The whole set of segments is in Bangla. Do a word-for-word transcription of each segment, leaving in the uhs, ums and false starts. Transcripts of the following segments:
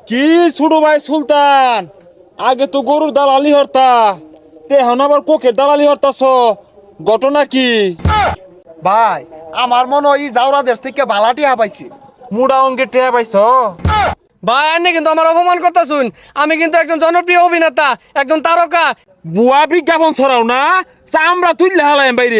কি ছোট ভাই সুলতান, আগে তো গরুর দালালি হরতা, তে এখন আবার কোকের দালালি হরতাছ, ঘটনা কি? ভাই আমার মনে হয় ই জাউরা দেশ থেকে বালাটি হাবাইছে। মুড়া অঙ্কে টেয়া পাইছ? ভাই এনে কিন্তু আমার অপমান করতেছুন। আমি কিন্তু একজন জনপ্রিয় অভিনেতা, একজন তারকা। বুয়া বিজ্ঞাপন ছড়াও না, চামড়া তুললে হালাইম বাইরে।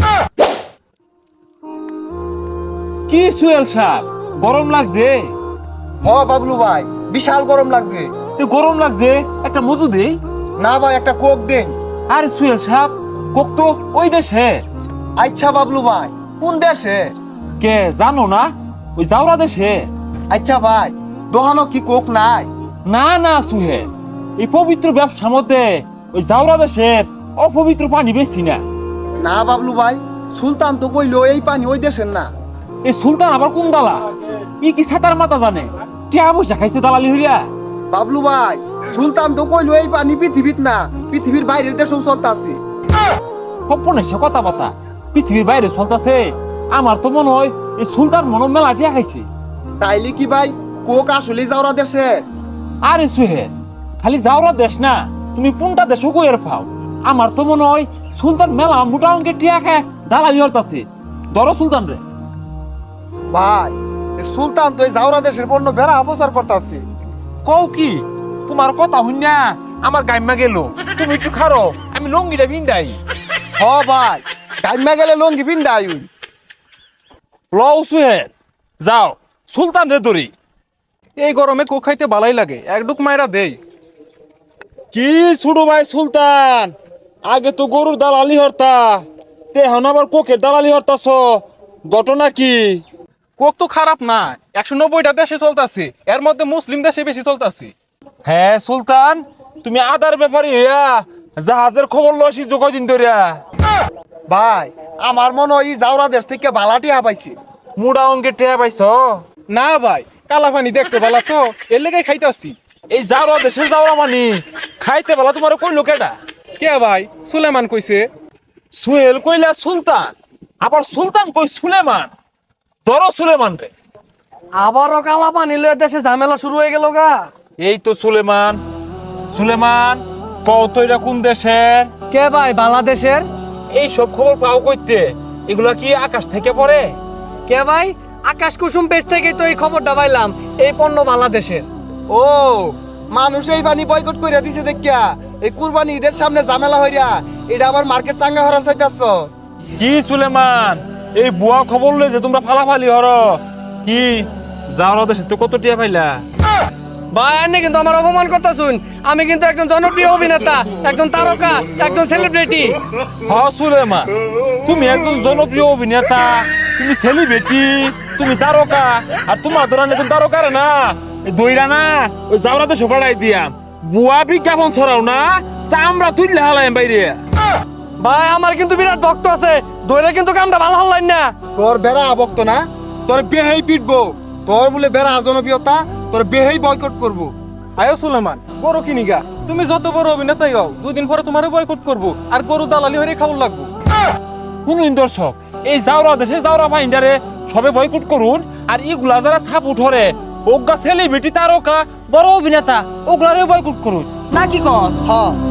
কি সুয়েল সাহেব, গরম লাগছে? হ বাবলু ভাই, বিশাল গরম লাগছে। তো গরম লাগছে, একটা মজু দে। না ভাই, একটা কোক দেন। আরে সুয়েল সাহেব, কোক তো ওই দেশে। আচ্ছা বাবলু ভাই, কোন দেশে? কে জানো না? ওই জাউরা দেশে। আচ্ছা ভাই, দোহানো কি কোক নাই? না না সুহে, এই পবিত্র ব্যবসার মধ্যে ওই জাউরা দেশের অপবিত্র পানি বেশি না। না বাবলু ভাই, সুলতান তো কইলো এই পানি ওই দেশের না। এই সুলতান আবার কোন দালা? ই কি সাতার মাথা জানে? টিয়া পয়সা খাইছে দালালি হইয়া। বাবলু ভাই, সুলতান তো কইলো এই পানি পৃথিবীর না, পৃথিবীর বাইরের দেশেও চলতাছে। সপনে সে কথা বাতা পৃথিবীর বাইরে চলতেছে। আমার তো মনে হয় এই সুলতান মনে হয় মেলা টিয়া খাইছে। তাইলে কি ভাই কোক আসলে জাউরা দেশে? আরে সুহে, খালি জাউরা দেশ না, তুমি কোনটা দেশও কইয়ের পাও। আমার তো মনে হয় সুলতান মেলা মোটা অঙ্কের টিয়া খায় দালালি হরতাছে। ধরো সুলতান রে। ভাই এ সুলতান তো এই জাউরা দেশের পণ্য বেড়া অপচার করতেছে। কও কি? তোমার কথা শুনিয়া আমার গাইমা গেল। তুমি একটু খারো, আমি লঙ্গিটা বিন্দাই। হ ভাই, গাইমা গেলে লঙ্গি পিন্দা আইন। লও সুহে, যাও সুলতান রে ধরি। এই গরমে কোক খাইতে ভালাই লাগে, এক ডুক মাইরা দেই। কি ছোট ভাই সুলতান, আগে তো গরুর দালালি হরতা, তে এখন আবার কোকের দালালি হরতাছ, ঘটনা কি? কোক তো খারাপ না, একশো নব্বইটা দেশে চলতেছে, এর মধ্যে মুসলিম দেশে বেশি চলতেছে। হ্যাঁ সুলতান, তুমি আদার ব্যাপারে হইয়া জাহাজের খবর লসি যোগাদিন ধরিয়া। ভাই আমার মনে হয় ই জাউরা দেশ থেকে বালাটি হাবাইছে। মুড়া অঙ্কে টেয়া পাইছ? না ভাই, কালা পানি দেখতে ভালো তো, এর লেগে খাইতেছি। এই যাওয়া দেশে যাওয়া মানি খাইতে বেলা তোমার কইলো কেডা? কে ভাই? সুলেমান কইছে। সুহেল কইলা সুলতান, আবার সুলতান কই সুলেমান। ধরো সুলেমান রে। আবারও কালা পানি লয়ে দেশে ঝামেলা শুরু হয়ে গেল গা। এই তো সুলেমান। সুলেমান, কও তো এটা কোন দেশের? কে ভাই? বাংলাদেশের। এই সব খবর পাও কইতে? এগুলা কি আকাশ থেকে পড়ে? কে ভাই? আকাশ কুসুম পেজ থেকে তো এই খবরটা পাইলাম, এই পণ্য বাংলাদেশের। ও মানুষ এই পানি বয়কট কইরা দিছে দেখিয়া এই কুরবানি ঈদের সামনে ঝামেলা হইরা এটা আবার মার্কেট চাঙ্গা হরার চাইতাছ। কি সুলেমান, এই বুয়া খবর লই যে তোমরা ফালাফালি হর কি? যাওয়া দেশে তো কত টিয়া পাইলা? ভাই এনে কিন্তু আমার অপমান করতেছুন। আমি কিন্তু একজন জনপ্রিয় অভিনেতা, একজন তারকা, একজন সেলিব্রিটি। হ সুলেমান, তুমি একজন জনপ্রিয় অভিনেতা, তুমি সেলিব্রিটি, তুমি তারকা, আর তোমার ধরান একজন তারকার না দইরা না ওই যাওয়া দেশে পাঠাই দিয়া বুয়া বিজ্ঞাপন ছড়াও না, চামড়া তুললে হালাইম বাইরে। ভাই আমার কিন্তু বিরাট ভক্ত আছে, ধরে কিন্তু কামটা ভালো হল্লাই না। তোর বেড়া আবক্ত না, তোর বেহেই পিটবো। তোর বলে বেড়া জনপ্রিয়তা, তোর বেহেই বয়কট করবো। আয়ো সুলেমান, গরু কিনিগা। তুমি যত বড় অভিনেতাই হও, দুদিন পরে তোমারে বয়কট করবো, আর গরু দালালি হয়ে খাবার লাগবো। শুনুন দর্শক, এই যাওয়া দেশে যাওয়া ভাইন্ডারে সবে বয়কট করুন, আর ইগুলা যারা ছাপ উঠরে ওগা সেলিব্রিটি তারকা বড় অভিনেতা ওগুলারে বয়কট করুন, নাকি কস? হ্যাঁ